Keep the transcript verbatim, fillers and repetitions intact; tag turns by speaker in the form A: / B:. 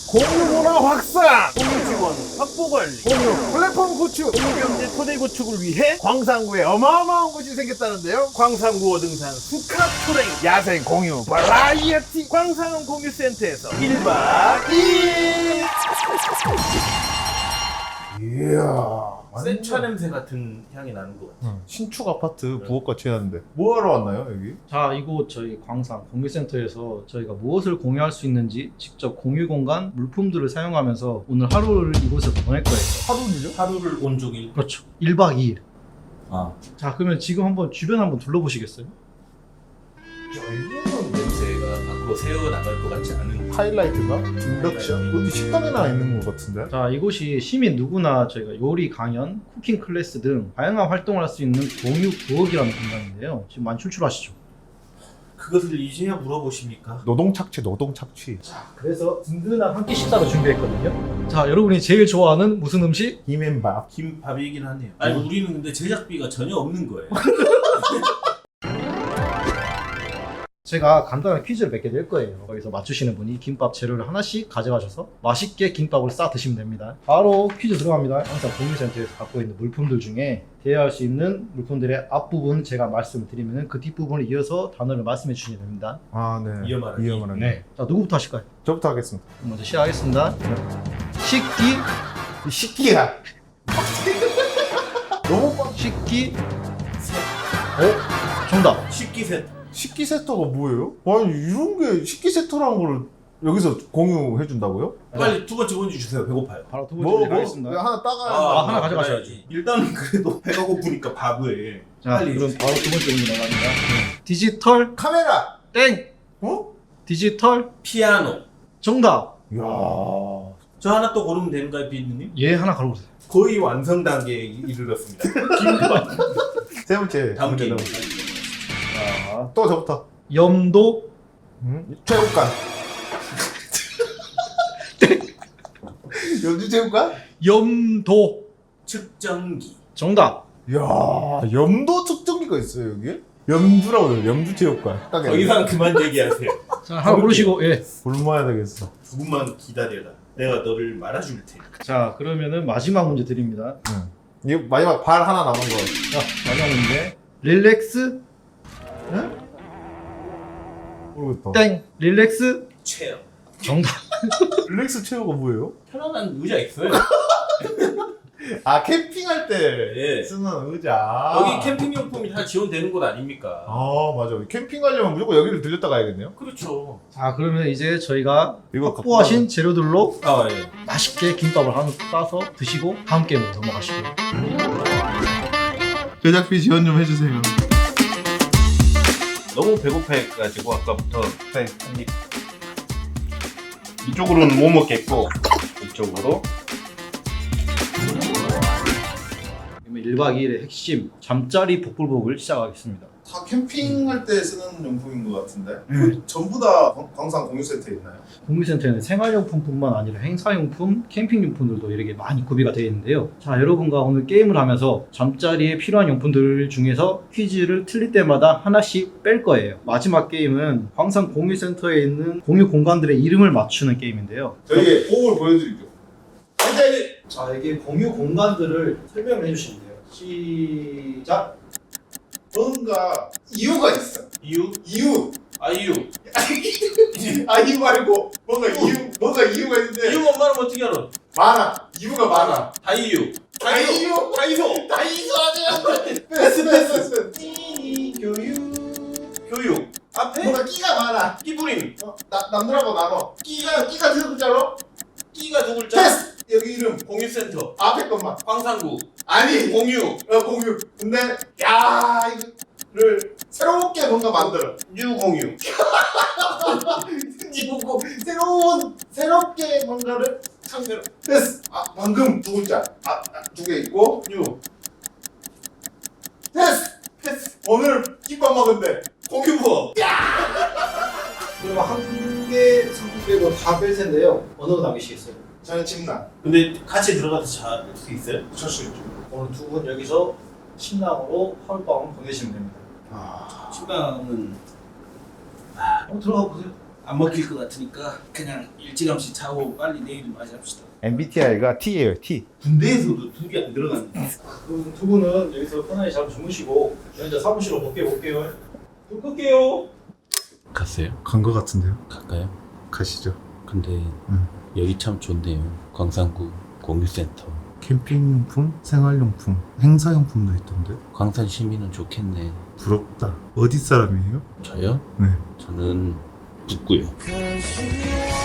A: 공유문화 확산, 공유 직원 확보 관리, 공유 플랫폼 구축, 공유 경제 토대 구축을 위해 광산구에 어마어마한 곳이 생겼다는데요. 광산구 어등산 수카 트레인 야생 공유 버라이어티 광산 공유센터에서 일 박 이 일.
B: 이야.
C: 센차 냄새 같은 향이 나는 것 같아.
B: 응. 신축 아파트 부엌같이 해놨는데 뭐하러 왔나요 여기?
D: 자, 이곳 저희 광산 공유센터에서 저희가 무엇을 공유할 수 있는지 직접 공유 공간 물품들을 사용하면서 오늘 하루를 이곳에서 보낼 거예요.
B: 하루는요?
C: 하루를 온종일.
D: 그렇죠. 일 박 이 일.
C: 아.
D: 자, 그러면 지금 한번 주변 한번 둘러보시겠어요?
C: 이거는 냄새가 밖으로 새어 나갈 것 같지 않은.
B: 하이라이트가? 인덕션? 어디 식당에나 있는 것 같은데?
D: 자, 이곳이 시민 누구나 저희가 요리 강연, 쿠킹 클래스 등 다양한 활동을 할 수 있는 공유 부엌이라는 공간인데요. 지금 많이 출출하시죠?
C: 그것을 이제야 물어보십니까?
B: 노동 착취 노동 착취.
D: 그래서 든든한 한 끼 식사를 준비했거든요. 자, 여러분이 제일 좋아하는 무슨 음식?
B: 김앤밥.
C: 김밥이긴 하네요. 아니 우리는 근데 제작비가 전혀 없는 거예요.
D: 제가 간단한 퀴즈를 몇 개 낼 거예요. 거기서 맞추시는 분이 김밥 재료를 하나씩 가져가셔서 맛있게 김밥을 싸 드시면 됩니다. 바로 퀴즈 들어갑니다. 항상 공유센터에서 갖고 있는 물품들 중에 대여할 수 있는 물품들의 앞부분 제가 말씀을 드리면 그 뒷부분을 이어서 단어를 말씀해 주시면 됩니다.
B: 아 네.
C: 이어말하기.
B: 이어말하기.
D: 네. 자, 누구부터 하실까요?
B: 저부터 하겠습니다.
D: 먼저 시작하겠습니다. 식기,
B: 이 식기야. 너무 빡.
D: 식기, 어? 정답.
C: 식기 세트.
B: 식기 세터가 뭐예요? 아니 이런 게 식기 세터라는 걸 여기서 공유해 준다고요?
C: 빨리 두 번째 문제 주세요. 배고파요.
D: 바로 두 번째
B: 뭐,
D: 문제
B: 뭐
D: 가겠습니다.
B: 하나 따가야
D: 아, 하나 가져가셔야지.
C: 일단은 그래도 배가 고프니까 밥을.
D: 자,
C: 빨리
D: 그럼
C: 해주세요.
D: 바로 두 번째 문제 나갑니다. 디지털
B: 카메라.
D: 땡!
B: 어?
D: 디지털
C: 피아노.
D: 정답!
B: 이야.
C: 저 하나 또 고르면 되는가요, 비누님?
D: 얘 하나 가져오세요.
C: 거의 완성 단계에 이르렀습니다.
B: 세 번째
C: 다음
B: 문제
C: 게임.
B: 넘어가요.
D: 자,
B: 또 저부터.
D: 염도
B: 음? 체육관. 연주 체육관?
D: 염도
C: 측정기.
D: 정답!
B: 이야, 염도 측정기가 있어요 여기? 염주라고 해요. 염주 체육관. 딱
C: 더 이상 그만 얘기하세요.
D: 자, 하나 고르시고, 예.
B: 굶어야 되겠어.
C: 조금만 기다려라. 내가 너를 말아줄 테니.
D: 자, 그러면은 마지막 문제 드립니다.
B: 응. 이거 마지막 발 하나 남은 거.
D: 자, 마지막 문제. 릴렉스
B: 응? 모르겠다.
D: 땡! 릴렉스
C: 체어.
D: 정답!
B: 릴렉스 체어가 뭐예요?
C: 편안한 의자 있어요.
B: 아 캠핑할 때
C: 예.
B: 쓰는 의자.
C: 여기 캠핑 용품이 다 지원되는 곳 아닙니까?
B: 아 맞아. 캠핑 가려면 무조건 여기를 들렸다 가야겠네요.
C: 그렇죠.
D: 자, 그러면 이제 저희가
B: 이거
D: 확보하신 재료들로
C: 아 예.
D: 맛있게 김밥을 하나 싸서 드시고 다음 게임으로 넘어가시고요.
B: 제작비 지원 좀 해주세요.
C: 너무 배고파해가지고 아까부터 한입 이쪽으로는 못 먹겠고 이쪽으로
D: 그러면 일 박 이 일의 핵심 잠자리 복불복을 시작하겠습니다.
B: 다 캠핑할 때 쓰는 용품인 것 같은데. 그 전부 다 광- 광산 공유 세트에 있나요?
D: 공유센터에는 생활용품뿐만 아니라 행사용품, 캠핑용품들도 이렇게 많이 구비가 되어 있는데요. 자, 여러분과 오늘 게임을 하면서 잠자리에 필요한 용품들 중에서 퀴즈를 틀릴 때마다 하나씩 뺄 거예요. 마지막 게임은 광산 공유센터에 있는 공유 공간들의 이름을 맞추는 게임인데요.
B: 저희 호흡을 보여드리죠.
D: 자, 이게 공유 공간들을 설명을 해주시면 돼요. 시작!
B: 뭔가 이유가 있어.
C: 이유
B: 이유.
C: 아이유
B: 아이유 말고 뭔가 이유 뭔가 이유가 있는데
C: 이유 엄마는 어떻게 알아?
B: 많아. 이유가 많아.
C: 다이유
B: 다이유.
C: 다이소
B: 다이소 아니야. 패스 패스.
D: 교육
C: 교육 앞에
B: 뭔가 끼가 많아.
C: 끼부림
B: 어, 나 남들하고 나눠. 끼가 끼가 두 글자로.
C: 끼가 두 글자
B: 패스. 여기 이름
C: 공유센터
B: 앞에 것만.
C: 광산구
B: 아니
C: 공유
B: 어, 공유. 근데 야 이거를 새롭게 뭔가 만들어.
C: 뉴공유
B: 이거 새로운 새롭게 뭔가를 상대로. 패스. 아 방금 두 글자. 아두 개 있고
C: 뉴
B: 패스. 패스. 오늘 김밥 먹은데.
C: 공유부엌
D: 그럼 한 개 상품 빼고 다 뺄 텐데요. 어느 거 남기시겠어요?
B: 저는 침낭.
C: 근데 같이 들어가서 잘 수 있어요?
B: 찰수 있죠.
D: 오늘 두 분 여기서 침낭으로 하룻밤 보내시면 됩니다.
B: 아.
C: 침낭은
D: 한번 들어가 보세요.
C: 안 먹힐 것 같으니까 그냥 일찌감치 자고 빨리 내일 맞이합시다.
A: 엠비티아이가 T예요, T.
C: 군대에서도 두 개 안 들어갔네.
D: 그럼 두 분은 여기서 편하게 잘 주무시고 저는 이제 사무실로 복귀해 볼게요. 불 끌게요.
E: 갔어요?
B: 간 거 같은데요?
E: 갈까요?
B: 가시죠.
E: 근데
B: 응.
E: 여기 참 좋네요. 광산구 공유센터.
B: 캠핑용품, 생활용품, 행사용품도 있던데.
E: 광산 시민은 좋겠네.
B: 부럽다. 어디 사람이에요?
E: 저요?
B: 네.
E: 저는 북구요.